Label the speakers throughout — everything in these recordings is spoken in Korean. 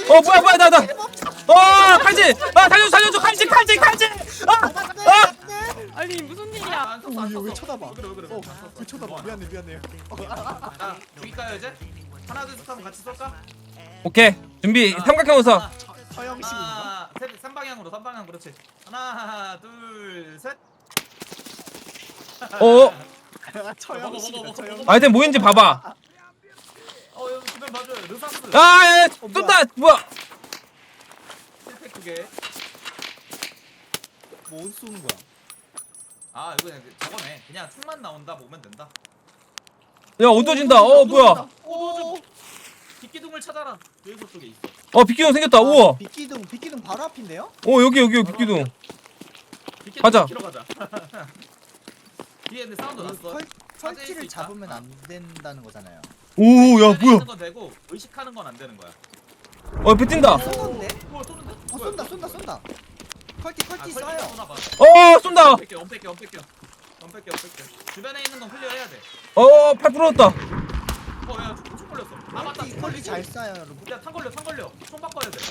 Speaker 1: 뭐야 나 칼질. 살려줘 칼질.
Speaker 2: 아니 무슨 일이야?
Speaker 3: 안 썼어 안
Speaker 4: 왜
Speaker 3: 썼어.
Speaker 4: 쳐다봐?
Speaker 3: 그래
Speaker 4: 왜 쳐다봐? 미안해요.
Speaker 3: 자 죽일까요 이제? 하나 둘 셋 하면 같이 쏠까?
Speaker 1: 오케이 준비. 삼각형 웃어.
Speaker 4: 서영식인가?
Speaker 3: 하나 셋 3방향 그렇지. 하나 둘 셋.
Speaker 4: 처형식이다. 처형.
Speaker 1: 아이템 뭐인지 봐봐.
Speaker 3: 여기 주변 봐줘요. 르사스.
Speaker 1: 쏜다. 뭐야?
Speaker 3: 힐팩 2개.
Speaker 4: 뭐 어디 쏘는 거야?
Speaker 3: 아 이거 그냥 저거네. 그냥 총만 나온다 보면 된다.
Speaker 1: 야 어두워진다. 뭐야?
Speaker 3: 오. 빗기둥을 찾아라. 여기서 쪽에 있어.
Speaker 1: 빗기둥 생겼다. 우와.
Speaker 4: 빗기둥 바로 앞인데요?
Speaker 1: 여기 빗기둥.
Speaker 3: 빗기둥
Speaker 1: 가자.
Speaker 3: 키로 가자. 뒤에 근데 사운드 났어.
Speaker 4: 설치를 잡으면 안 된다는 거잖아요.
Speaker 1: 오, 야 뭐야?
Speaker 3: 있는 건 되고 의식하는 건 안 되는 거야.
Speaker 1: 옆에 뛴다.
Speaker 4: 쏘는데?
Speaker 3: 뭐 쏘는데?
Speaker 4: 쏜다. 컬티 쏴요.
Speaker 1: 쏜다.
Speaker 3: 엄뺄게. 주변에 있는 건 클리어 해야 돼.
Speaker 1: 팔 부러졌다.
Speaker 3: 야, 총 걸렸어. 아 맞다.
Speaker 4: 컬티 잘 쏴요, 여러분.
Speaker 3: 야, 탄 걸려. 총 바꿔야 돼.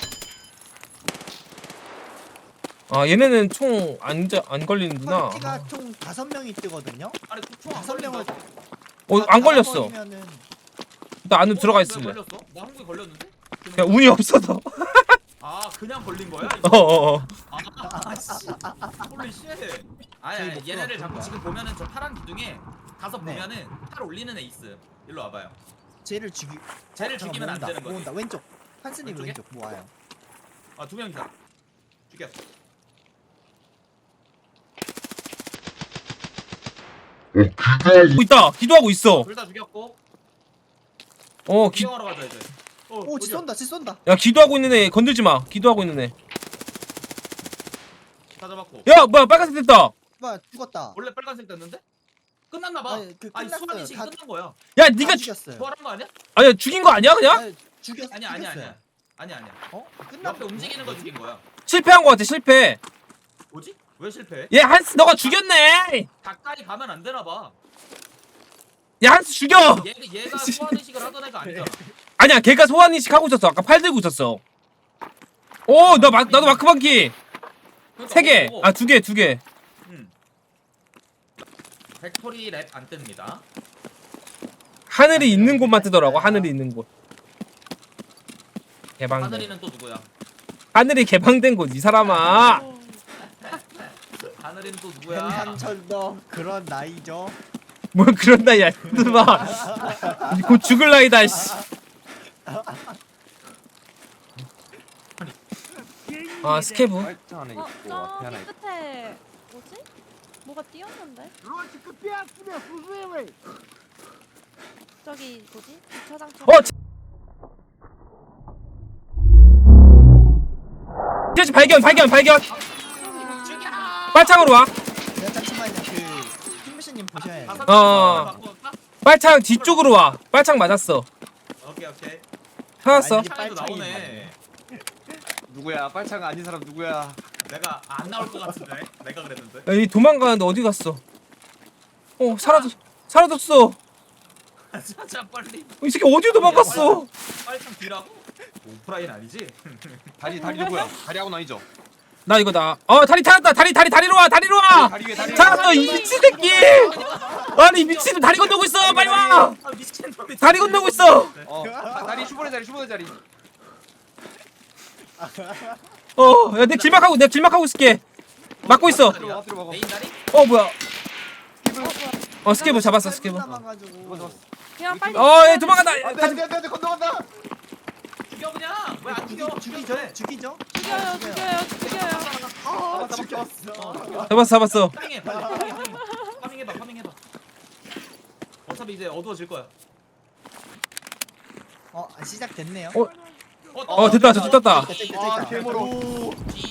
Speaker 1: 얘네는 총 안 걸리는구나.
Speaker 4: 컬티가 총 5명이 뜨거든요.
Speaker 3: 아니, 총안
Speaker 4: 5명을
Speaker 1: 안 걸렸어.
Speaker 4: 걸리면은
Speaker 1: 나 안으로 들어가 있을래.
Speaker 3: 걸렸어? 나 한국에 걸렸는데?
Speaker 1: 야 운이 없어서.
Speaker 3: 아, 그냥 걸린 거야? 이거? 씨. 홀리 쉣. 아니,
Speaker 4: 목표가
Speaker 3: 얘네를
Speaker 4: 그런
Speaker 3: 자꾸
Speaker 4: 거야.
Speaker 3: 지금 보면은 저 파란 기둥에 가서
Speaker 4: 네.
Speaker 3: 보면은 팔 올리는 애 있음. 일로 와봐요.
Speaker 4: 쟤를 죽이.
Speaker 3: 쟤를
Speaker 4: 잠깐,
Speaker 3: 죽이면 안
Speaker 4: 모은다,
Speaker 3: 되는 거지.
Speaker 4: 모은다. 왼쪽. 한스님
Speaker 3: 왼쪽에?
Speaker 4: 왼쪽 모아요.
Speaker 3: 아, 2명이다. 죽였어.
Speaker 1: 있다. 기도하고 있어.
Speaker 3: 둘 다 죽였고.
Speaker 1: 기.
Speaker 3: 구경하러 가자 이제.
Speaker 4: 오, 지
Speaker 3: 어디야?
Speaker 4: 쏜다.
Speaker 1: 야 기도하고 있는 애 건들지 마. 기도하고 있는 애.
Speaker 3: 다 잡았고.
Speaker 1: 야 뭐야 빨간색 됐다.
Speaker 4: 봐, 죽었다.
Speaker 3: 원래 빨간색 됐는데? 끝났나 봐.
Speaker 4: 아니,
Speaker 3: 아니,
Speaker 4: 끝났어요.
Speaker 3: 수환이 지금
Speaker 4: 다-
Speaker 3: 끝난 거야.
Speaker 1: 야 네가
Speaker 4: 죽였어요.
Speaker 3: 부활한 거 아니야?
Speaker 1: 아니야 죽인 거 아니야 그냥?
Speaker 4: 아니, 죽였어요.
Speaker 3: 아니야.
Speaker 4: 어? 끝났.
Speaker 3: 옆에 움직이는 거 죽인 거야.
Speaker 1: 실패한 거 같아 실패.
Speaker 3: 뭐지? 왜 실패해?
Speaker 1: 얘 한스 너가 죽였네.
Speaker 3: 가까이 가면 안 되나 봐.
Speaker 1: 야 한스 죽여.
Speaker 3: 얘가 소환 의식을 하던 애가 아니잖아.
Speaker 1: 아니야 걔가 소환 인식 하고 있었어. 아까 팔 들고 있었어. 나도 마크 바퀴
Speaker 3: 그러니까
Speaker 1: 3개.
Speaker 3: 뭐,
Speaker 1: 2개.
Speaker 3: 팩토리 랩 안 뜹니다.
Speaker 1: 하늘이 있는 곳만 뜨더라고. 하늘이 있는 곳. 개방된.
Speaker 3: 하늘이는 또 누구야?
Speaker 1: 하늘이 개방된 곳 이 사람아.
Speaker 3: 하늘이는 또 누구야?
Speaker 4: 한철도 그런 나이죠.
Speaker 1: 뭘 그런 나이야. 마. 곧 죽을 나이다. 씨. 스케브.
Speaker 5: 팔짱 안에 있고 앞에 하나 있고.
Speaker 2: 끝에 뭐지? 뭐가 띄었는데? 저기 뭐지? 주차장처럼.
Speaker 1: 발견. 빨창으로 와.
Speaker 4: 잠시만요. 킴미씨님 보셔야 돼요.
Speaker 3: 바꿔볼까?
Speaker 1: 빨창 뒤쪽으로 와. 빨창 맞았어.
Speaker 3: 오케이.
Speaker 1: 찾았어.
Speaker 4: 아니,
Speaker 3: 차이도
Speaker 4: 빨창이
Speaker 3: 나오네.
Speaker 5: 누구야? 팔짱 아닌 사람 누구야?
Speaker 3: 내가 안 나올 것 같은데. 내가 그랬는데.
Speaker 1: 야, 이 도망가는데 어디 갔어? 사라졌어.
Speaker 3: 진짜 빨리.
Speaker 1: 이 새끼 어디로 도망갔어?
Speaker 3: 빨리 참 뒤라고? 오프라인 아니지?
Speaker 5: 다리 누구야? 다리하고 아니죠?
Speaker 1: 나 이거 다리 찾았다. 다리로 와.
Speaker 5: 다리 위에 다리.
Speaker 1: 찾았어. 이 미친 새끼. 아니 미친 다리 건너고 있어. 빨리 와.
Speaker 3: 아 미친놈이.
Speaker 1: 다리 건너고 있어.
Speaker 5: 다리 슈퍼의 자리.
Speaker 1: 야, 내가 길막하고 있을게. 막고 있어.
Speaker 5: 들어가.
Speaker 3: 메인 다리?
Speaker 1: 뭐야? 스케브 잡았어. 스케브.
Speaker 4: 남아가지고.
Speaker 2: 그냥 빨리.
Speaker 1: 얘 도망간다.
Speaker 5: 안돼 건너간다.
Speaker 3: 죽여 그냥. 왜 안 죽여?
Speaker 4: 죽이죠.
Speaker 2: 죽여요.
Speaker 1: 잡았어.
Speaker 3: 파밍해 빨리. 파밍해봐. 어차피 이제 어두워질 거야.
Speaker 4: 시작됐네요.
Speaker 1: 됐다. 떴다.
Speaker 5: 개모로.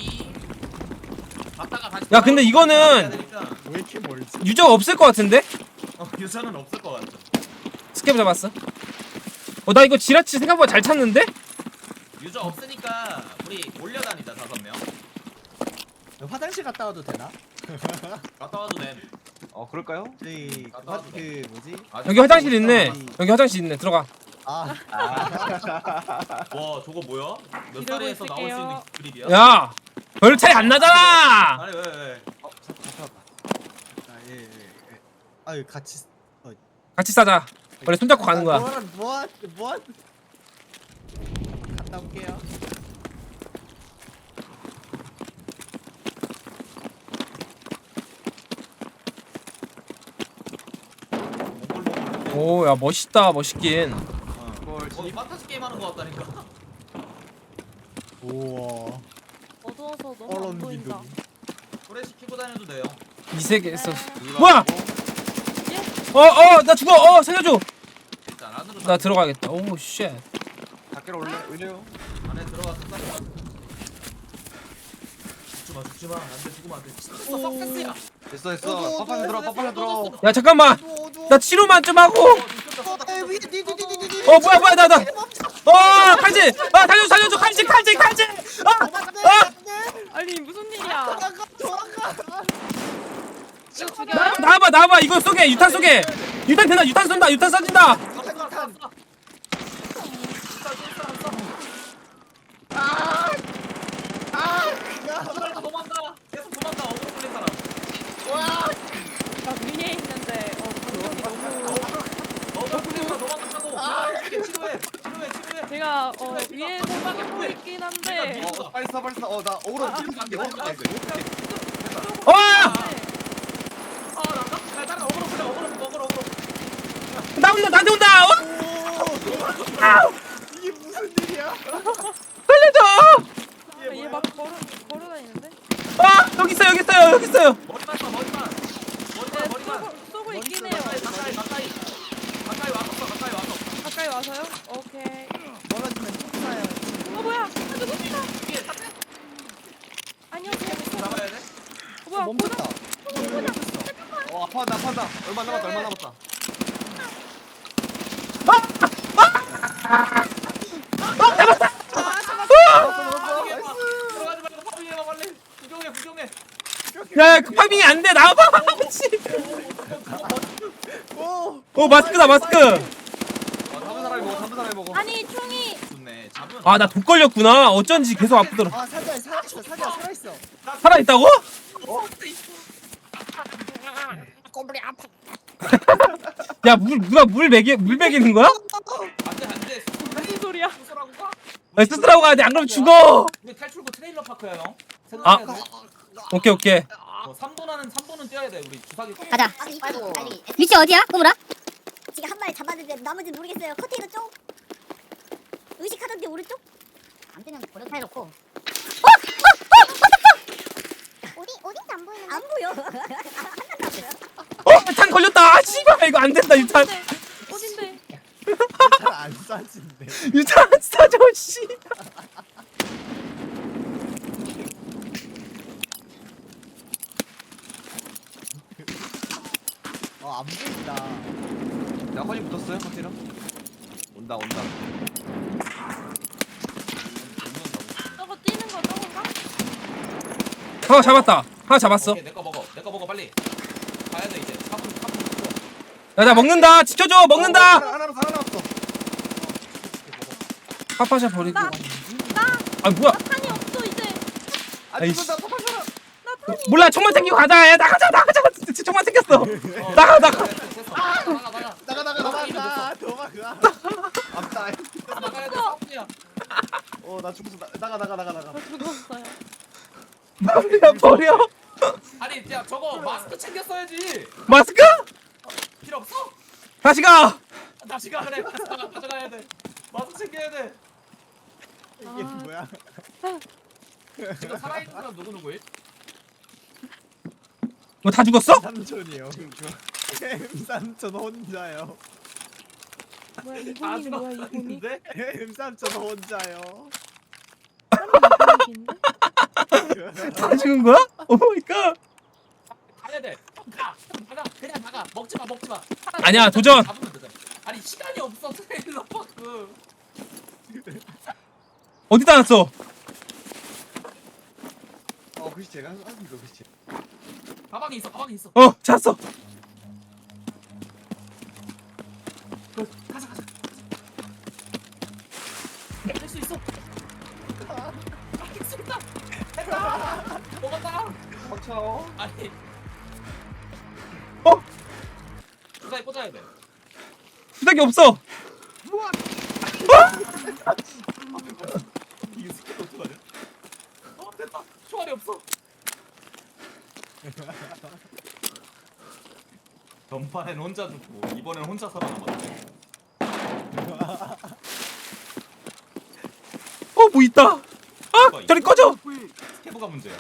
Speaker 3: 갔다가 다시.
Speaker 1: 야, 근데 이거는
Speaker 4: 왜 이렇게 멀지?
Speaker 1: 유저가 없을 것 같은데?
Speaker 3: 유저는 없을 것 같아.
Speaker 1: 스케브 잡았어. 나 이거 지라치 생각보다 잘 찾는데?
Speaker 3: 유저 없으니까 우리 몰려다니자 5명.
Speaker 4: 화장실 갔다 와도 되나?
Speaker 3: 갔다 와도 돼.
Speaker 5: 그럴까요?
Speaker 4: 저희
Speaker 3: 갔다 와도 돼.
Speaker 4: 뭐지?
Speaker 1: 여기 화장실 있네. 들어가.
Speaker 4: 아,
Speaker 3: 와 저거 뭐야? 몇
Speaker 2: 기다리고
Speaker 3: 살에서 나올 수 있는
Speaker 2: 있을게요.
Speaker 3: 그립이야?
Speaker 1: 야, 별 차이 안 나잖아.
Speaker 3: 아니 왜?
Speaker 4: 예, 예, 예. 아유, 같이.
Speaker 1: 같이 싸자. 원래 손잡고 가는 거야.
Speaker 4: 뭐한? 갔다 올게요.
Speaker 3: 몽골몽골.
Speaker 1: 오, 야 멋있다, 멋있긴.
Speaker 5: 뭘
Speaker 3: 어 판타지 게임 하는 거 같다니까.
Speaker 4: 우와.
Speaker 2: 어두워서 너무 안
Speaker 4: 얼음
Speaker 2: 보인다.
Speaker 4: 기둥.
Speaker 3: 프레시 키고 다녀도 돼요.
Speaker 1: 이 세계에서.
Speaker 2: 네.
Speaker 1: 뭐야? 나 죽어. 살려줘.
Speaker 3: 일단 안으로
Speaker 1: 나 들어가야겠다. 오, 쉣.
Speaker 5: 밖으로 올래요?
Speaker 3: 안에 들어가서 딱. 죽지 마. 안돼 죽으면 안 돼. 석세스야.
Speaker 5: 됐어. 빠빠져 들어.
Speaker 1: 야, 잠깐만. 나 치료만 좀 하고. 뭐야, 나. 칼질. 살려줘. 칼질.
Speaker 2: 아니 무슨 일이야? 이거 죽여?
Speaker 1: 나와봐. 이거 쏘게. 유탄 쏘게. 유탄 되나? 유탄 쏜다. 유탄 쏴진다.
Speaker 3: 도망가. 계속 도망가. 어그로 끌린 사람.
Speaker 2: 나 위에 있는데 공격이 너무.
Speaker 3: 어그로 끌린 사람 도망가고. 치료해.
Speaker 2: 제가 위에 생각해 보이긴 한데.
Speaker 5: 빨리 써. 나 오로 갈게.
Speaker 1: 와!
Speaker 3: 나가. 어그로 끌려. 어그로.
Speaker 1: 나한테 온다.
Speaker 4: 이게 무슨 일이야?
Speaker 1: 살려줘.
Speaker 2: 얘막 걸어다니는데?
Speaker 1: 여기 있어요.
Speaker 3: 머리만.
Speaker 2: 네, 쏘고 있긴 해요.
Speaker 3: 가까이 와서.
Speaker 2: 가까이 와서요? 오케이.
Speaker 4: 멀어지면 쫓아요.
Speaker 2: 뭐야? 누굽니까? 안녕하세요.
Speaker 3: 잡아야 돼?
Speaker 2: 뭐야?
Speaker 4: 멈췄다.
Speaker 5: 아파한다. 얼마 남았다.
Speaker 3: 들어가지 말고 파밍해봐 빨리. 구경해.
Speaker 1: 야, 그 파밍이 안 돼. 나와봐. 마스크다.
Speaker 5: 잡은 사람이 먹어.
Speaker 2: 아니 총이
Speaker 3: 좋네. 잡으면
Speaker 1: 나 독 걸렸구나. 어쩐지 계속 아프더라.
Speaker 4: 아, 살아있어.
Speaker 1: 살아있다고?
Speaker 2: 꼬불이 아파.
Speaker 1: 야, 누가 물 먹이는 거야?
Speaker 3: 안돼.
Speaker 2: 무슨 소리야?
Speaker 3: 수술하고 가?
Speaker 1: 스스라고 가야 돼. 안 그러면 죽어.
Speaker 3: 우리 탈출구 트레일러 파크야 형.
Speaker 1: 아.
Speaker 3: 생각해야 돼.
Speaker 1: 오케이.
Speaker 3: 3도는 뛰어야 돼. 우리 주사기.
Speaker 6: 가자. 위치 어디야, 꼬물아? 지금 한 마리 잡았는데 나머지 모르겠어요. 컨테이너 쪽? 의식하던데 오른쪽? 안 되면 버려 해놓고. 어딘지 안 보이는데? 안 보여.
Speaker 1: 유탄 걸렸다. 씨발, 이거 안 된다. 유탄
Speaker 2: 어딘데?
Speaker 4: 잘안 싸진대.
Speaker 1: 유탄 싸줘. 씨.
Speaker 4: 안 보인다.
Speaker 5: 야, 허니 붙었어요? 컨테이너? 온다.
Speaker 2: 저거 뛰는 거 저건가?
Speaker 1: 하나 잡았다. 하나 잡았어.
Speaker 3: 오케이, 내거 먹어 빨리. 가야 돼 이제. 4분.
Speaker 1: 야, 나 먹는다. 지켜줘. 먹는다.
Speaker 5: 하나 남았어.
Speaker 1: 파파샤 버리고.
Speaker 2: 나
Speaker 1: 뭐야?
Speaker 2: 탄이 없어 이제.
Speaker 1: 아이씨.
Speaker 5: 죽는다. 빠빠져라.
Speaker 1: 몰라. 총만 챙기고 가자. 야, 나가자. 진짜 총만 챙겼어. 나가.
Speaker 3: 나가.
Speaker 4: 도망가.
Speaker 5: 앞다.
Speaker 3: 나가야 돼. 4분이야.
Speaker 5: 나 죽었어. 나가.
Speaker 2: 저 죽었어요.
Speaker 1: 버려.
Speaker 3: 아니 야 저거 마스크 챙겼어야지.
Speaker 1: 마스크?
Speaker 3: 필요 없어?
Speaker 1: 다시 가.
Speaker 3: 다시 가 그래. 가져가야 돼. 마스크 챙겨야 돼.
Speaker 4: 이게 뭐야?
Speaker 3: 지금 살아있는 사람 누구일?
Speaker 1: 다 죽었어?
Speaker 4: 삼촌이요. 삼촌 혼자요.
Speaker 2: 뭐야 이분이 뭐야 이분이?
Speaker 3: 있는데?
Speaker 4: 삼촌 혼자요.
Speaker 2: 이분인데?
Speaker 1: 다 죽은 거야? 오 마이 갓.
Speaker 3: 가야 돼. 나가. 그냥 나가. 먹지 마.
Speaker 1: 아니야, 도전.
Speaker 3: 잡으면 되잖아. 아니 시간이 없어 트레일러 파크.
Speaker 1: 어디다 놨어?
Speaker 5: 글씨 제가 한 이거 글씨.
Speaker 3: 가방에 있어.
Speaker 1: 찾았어.
Speaker 3: 가자.
Speaker 5: 쳐.
Speaker 3: 아니.
Speaker 1: 어?
Speaker 3: 주사위 꽂아야 돼.
Speaker 1: 수작이 없어.
Speaker 3: 이게 스킬 어떡하냐? 됐다. 총알이 없어. 전판엔 혼자 죽고 이번엔 혼자 살아남았네.
Speaker 1: 뭐 있다. 아, 저리 꺼져.
Speaker 3: 스케브가 문제야.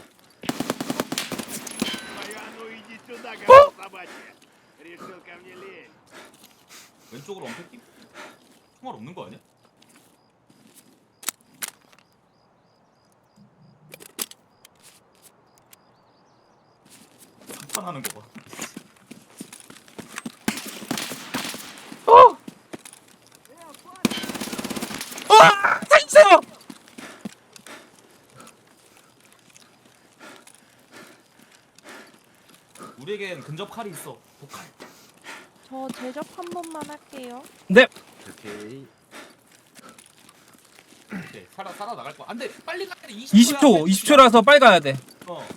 Speaker 3: 왼쪽으로 엄폐기? 총알 없는 거 아니야? 상판하는 거 봐.
Speaker 1: 살려주세요.
Speaker 3: 우리에겐 근접 칼이 있어. 독칼.
Speaker 2: 저 제접 한 번만 할게요.
Speaker 1: 네.
Speaker 5: 오케이.
Speaker 3: 오케이. 살아 나갈 거야. 안돼. 빨리 가야 돼.
Speaker 1: 20초. 20초라서 빨리 가야 돼.
Speaker 3: 어.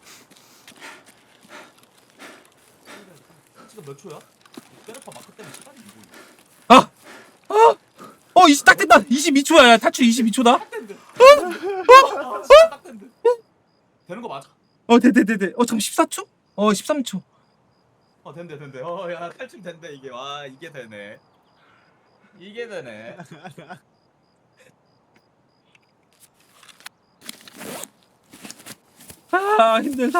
Speaker 3: 지금 몇 초야? 페르파 마크 때문에 시간이 안 보이네.
Speaker 1: 아. 어, 20 딱 된다. 22초야. 야, 탈출 22초다.
Speaker 3: 딱 된대. 시간 딱 된대. 되는 거 맞아?
Speaker 1: 돼. 잠깐 14초? 13초.
Speaker 3: 된대. 야 탈출 된대 이게. 와 이게 되네. 이게 되네.
Speaker 1: 아, 힘들다.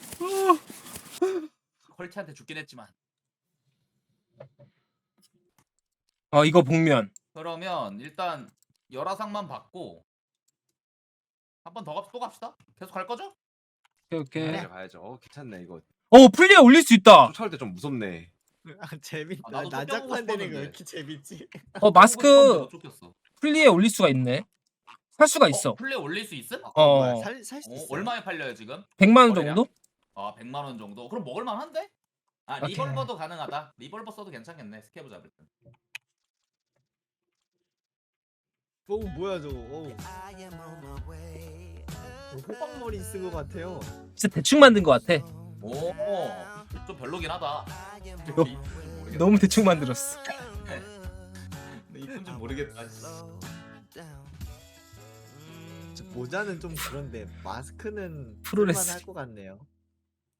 Speaker 3: 컬치한테 죽긴 했지만.
Speaker 1: 이거 복면.
Speaker 3: 그러면 일단 열화상만 받고 한 번 더 또 갑시다. 계속 갈 거죠?
Speaker 1: 오케이.
Speaker 5: 가야죠. 괜찮네 이거.
Speaker 1: 플리에 올릴 수 있다.
Speaker 5: 쫓아올 때 좀 무섭네.
Speaker 4: 아 재밌다.
Speaker 3: 나도
Speaker 4: 난장판 되는 거
Speaker 3: 싶었는데.
Speaker 4: 왜 이렇게 재밌지?
Speaker 1: 마스크
Speaker 3: 못 쫓겼어.
Speaker 1: 플리에 올릴 수가 있네. 살 수가 있어.
Speaker 3: 플레이 올릴 수 있음?
Speaker 4: 살수 있어.
Speaker 3: 얼마에 팔려요 지금?
Speaker 1: 100만 원
Speaker 3: 거래량?
Speaker 1: 정도?
Speaker 3: 100만 원 정도. 그럼 먹을만 한데?
Speaker 1: 오케이.
Speaker 3: 리볼버도 가능하다. 리볼버 써도 괜찮겠네. 스케브 잡을 때.
Speaker 4: 뭐야 저거? 호박머리 쓴 거 같아요.
Speaker 1: 진짜 대충 만든 것 같아.
Speaker 3: 오, 좀 별로긴 하다.
Speaker 1: 너무 대충 만들었어.
Speaker 3: 이쁜지 모르겠다.
Speaker 4: 저 모자는 좀 그런데 마스크는
Speaker 1: 프로레슬.
Speaker 4: 할것 같네요.